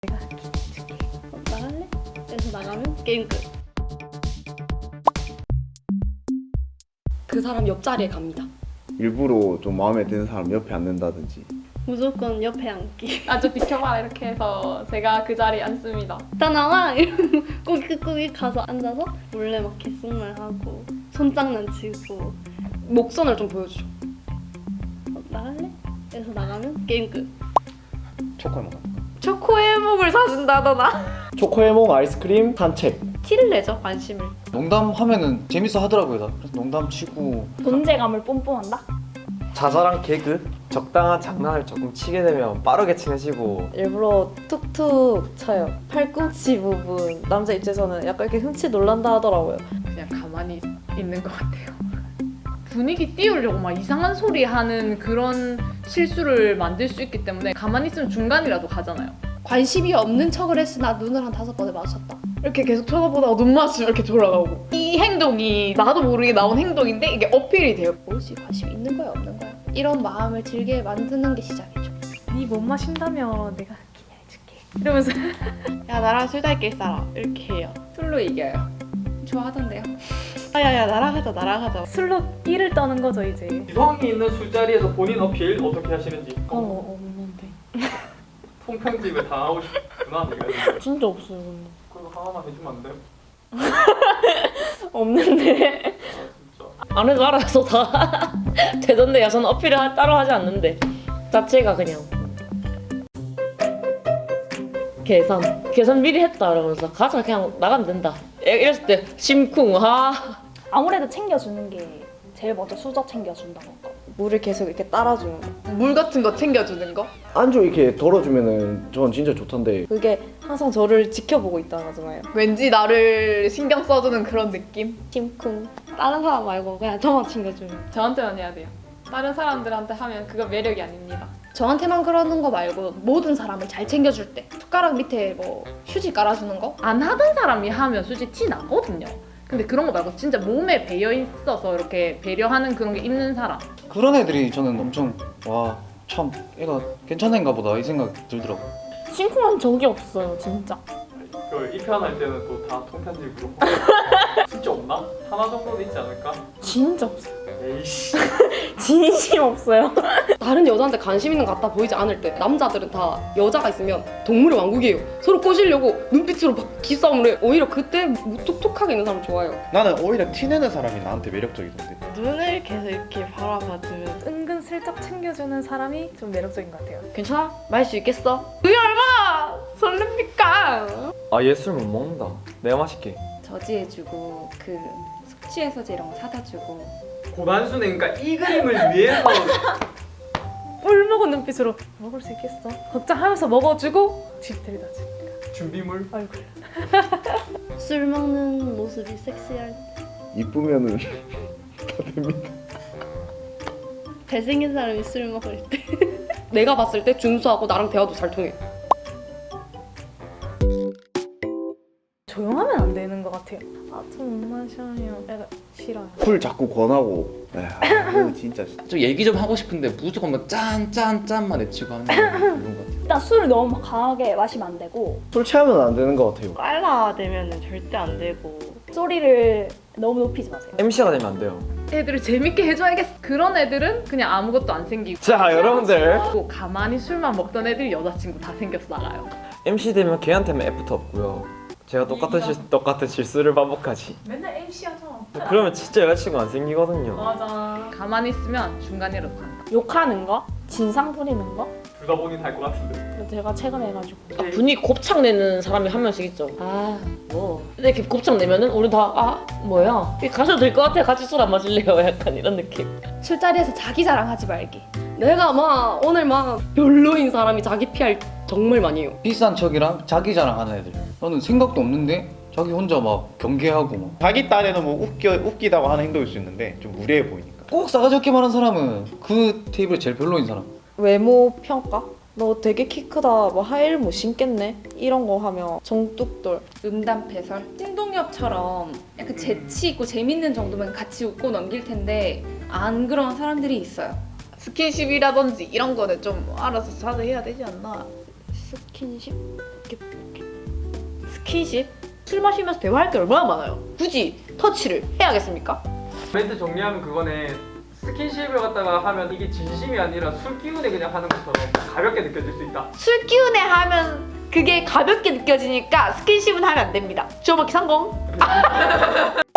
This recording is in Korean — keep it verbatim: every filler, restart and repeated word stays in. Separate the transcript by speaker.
Speaker 1: 내가 줄게. 어, 나갈래? 그래서 나가면 게임 끝. 그 사람 옆자리에 갑니다.
Speaker 2: 일부러 좀 마음에 드는 사람 옆에 앉는다든지.
Speaker 1: 무조건 옆에 앉기.
Speaker 3: 아 좀 비켜봐 이렇게 해서 제가 그 자리에 앉습니다.
Speaker 1: 나 나와! 이러면 꾸깃꾸깃 가서 앉아서 몰래 막 귓속말 하고 손장난치고 목선을 좀 보여주죠. 어, 나갈래? 그래서 나가면 게임 끝.
Speaker 4: 초코에 먹어.
Speaker 3: 초코해몽을 사준다더나.
Speaker 4: 초코에몽 아이스크림 산책.
Speaker 3: 티를 내죠 관심을.
Speaker 4: 농담하면은 재밌어 하더라고요. 다. 그래서 농담 치고
Speaker 5: 존재감을 뽐뽐한다?
Speaker 6: 자잘한 개그, 적당한 장난을 조금 치게 되면 빠르게 친해지고.
Speaker 7: 일부러 툭툭 쳐요. 팔꿈치 부분 남자 입장에서는 약간 이렇게 흠칫 놀란다 하더라고요.
Speaker 3: 그냥 가만히 있는 것 같아요. 분위기 띄우려고 막 이상한 소리 하는 그런 실수를 만들 수 있기 때문에 가만히 있으면 중간이라도 가잖아요. 관심이 없는 척을 했으나 눈을 한 다섯 번에 마주쳤다. 이렇게 계속 쳐다보다가 눈 마주치면 이렇게 돌아가고. 이 행동이 나도 모르게 나온 행동인데 이게 어필이 돼요. 뭐지? 관심 있는 거야 없는 거야? 이런 마음을 들게 만드는 게 시작이죠.
Speaker 5: 네 못 마신다며 내가 기회해줄게 이러면서
Speaker 3: 야 나랑 술 달길 사라 이렇게 해요. 술로 이겨요. 좋아하던데요. 아야야 나랑 하자 나랑 하자.
Speaker 5: 술로 끼를 떠는 거죠 이제.
Speaker 8: 이성이 있는 술자리에서 본인 어필 어떻게 하시는지.
Speaker 7: 어 없는데.
Speaker 8: 통편집에 당하고 싶구나 내가.
Speaker 7: 진짜 없어요 근데.
Speaker 8: 그거 하나만 해주면 안 돼요?
Speaker 7: 없는데.
Speaker 8: 아 진짜.
Speaker 9: 안 해도 알아서 다 되던데요. 저는 어필을 하- 따로 하지 않는데 자체가 그냥 계산 계산 미리 했다 이러면서 가자 그냥 나가면 된다 이랬을 때 심쿵. 아
Speaker 5: 아무래도 챙겨주는 게 제일 먼저 수저 챙겨준다던가.
Speaker 7: 물을 계속 이렇게 따라주는 거.
Speaker 3: 물 같은 거 챙겨주는 거?
Speaker 4: 안주 이렇게 덜어주면은 전 진짜 좋던데.
Speaker 7: 그게 항상 저를 지켜보고 있다는 거잖아요.
Speaker 3: 왠지 나를 신경 써주는 그런 느낌?
Speaker 7: 심쿵.
Speaker 1: 다른 사람 말고 그냥 저만 챙겨주면.
Speaker 3: 저한테만 해야 돼요. 다른 사람들한테 하면 그거 매력이 아닙니다.
Speaker 1: 저한테만 그러는 거 말고 모든 사람을 잘 챙겨줄 때 숟가락 밑에 뭐 휴지 깔아주는 거?
Speaker 3: 안 하던 사람이 하면 솔직히 티 나거든요. 근데 그런 거 말고 진짜 몸에 배어 있어서 이렇게 배려하는 그런 게 있는 사람.
Speaker 4: 그런 애들이 저는 엄청 와 참 애가 괜찮은가 보다 이 생각 들더라고.
Speaker 5: 심쿵한 적이 없어요 진짜.
Speaker 8: 그 입편할 때는 또 다 통편집으로. 진짜 없나? 하나 정도는 있지 않을까?
Speaker 5: 진짜 없어요.
Speaker 8: 에이씨.
Speaker 5: 진심 없어요.
Speaker 1: 다른 여자한테 관심 있는 것 같아 보이지 않을 때 남자들은 다 여자가 있으면 동물의 왕국이에요. 서로 꼬시려고 눈빛으로 막 기싸움을 해. 오히려 그때 무뚝뚝하게 있는 사람 좋아요.
Speaker 2: 나는 오히려 티내는 사람이 나한테 매력적이던데.
Speaker 7: 눈을 계속 이렇게 바라봐주면
Speaker 5: 은근 슬쩍 챙겨주는 사람이 좀 매력적인 것 같아요.
Speaker 1: 괜찮아? 마실 수 있겠어?
Speaker 3: 그게 얼마나 설렙니까?
Speaker 6: 아 얘 술 못 먹는다. 내가 마실게.
Speaker 10: 저지해주고 그 숙취해소제 이런 거 사다 주고.
Speaker 8: 고단수는 그러니까 이 그림을 위해서.
Speaker 5: 꿀먹은 눈빛으로 먹을 수 있겠어? 걱정하면서 먹어주고 집 데려다 주니까.
Speaker 8: 준비물.
Speaker 5: 얼굴.
Speaker 1: 술 먹는 모습이 섹시할 때
Speaker 2: 이쁘면은 다 됩니다.
Speaker 1: 잘생긴 사람이 술 먹을 때 내가 봤을 때 준수하고 나랑 대화도 잘 통해.
Speaker 5: 조용하면 안 되는 것 같아요. 아 좀 못 마셔요. 약간 싫어요.
Speaker 2: 술 자꾸 권하고. 에휴, 진짜.
Speaker 11: 좀 얘기 좀 하고 싶은데 무조건 뭐 짠 짠 짠만 외치고 하는 거 그런 것 같아요.
Speaker 5: 일단 술을 너무 강하게 마시면 안 되고
Speaker 4: 술 취하면 안 되는 것 같아요.
Speaker 7: 빨라되면 절대 안 되고.
Speaker 5: 소리를 너무 높이지 마세요.
Speaker 6: 엠씨가 되면 안 돼요.
Speaker 3: 애들을 재밌게 해줘야겠어. 그런 애들은 그냥 아무것도 안 생기고.
Speaker 6: 자 여러분들
Speaker 3: 또 가만히 술만 먹던 애들이 여자친구 다 생겨서 나가요.
Speaker 6: 엠씨 되면 걔한테는 애프터 없고요. 제가 똑같은 실 똑같은 실수를 반복하지.
Speaker 5: 맨날 엠씨 하잖아.
Speaker 6: 그러면 진짜 여자친구 안 생기거든요.
Speaker 5: 맞아.
Speaker 3: 가만히 있으면 중간이라도 간다.
Speaker 5: 욕하는 거? 진상 부리는 거?
Speaker 8: 둘 다 본인 할 것 같은데.
Speaker 5: 제가 최근에 해가지고
Speaker 9: 아, 분위기 곱창 내는 사람이 한 명씩 있죠. 아 뭐 근데 이렇게 곱창 내면은 우리 다 아 뭐야 가셔도 될 것 같아 같이 술 안 마실래요 약간 이런 느낌.
Speaker 1: 술자리에서 자기 자랑하지 말기. 내가 막 오늘 막 별로인 사람이 자기 피알 정말 많이 해요.
Speaker 4: 비싼 척이랑 자기 자랑하는 애들. 나는 생각도 없는데 자기 혼자 막 경계하고 막.
Speaker 2: 자기 딴에는 뭐 웃겨, 웃기다고 하는 행동일 수 있는데 좀 무례해 보이니까.
Speaker 4: 꼭 싸가지 없게 말한 사람은 그 테이블에 제일 별로인 사람.
Speaker 7: 외모 평가? 너 되게 키 크다. 뭐 하이힐 못 신겠네. 이런 거 하면 정뚝돌.
Speaker 10: 음담패설 띵동엽처럼 약간 재치 있고 재밌는 정도면 같이 웃고 넘길 텐데 안 그런 사람들이 있어요.
Speaker 3: 스킨십이라든지 이런 거는 좀 알아서 자제해야 되지 않나.
Speaker 7: 스킨십?
Speaker 3: 스킨십? 술 마시면서 대화할 게 얼마나 많아요. 굳이 터치를 해야겠습니까?
Speaker 8: 멘트 정리하면 그거네. 스킨십을 갖다가 하면 이게 진심이 아니라 술 기운에 그냥 하는 것처럼 가볍게 느껴질 수 있다.
Speaker 3: 술 기운에 하면 그게 가볍게 느껴지니까 스킨십은 하면 안 됩니다. 주어먹기 성공!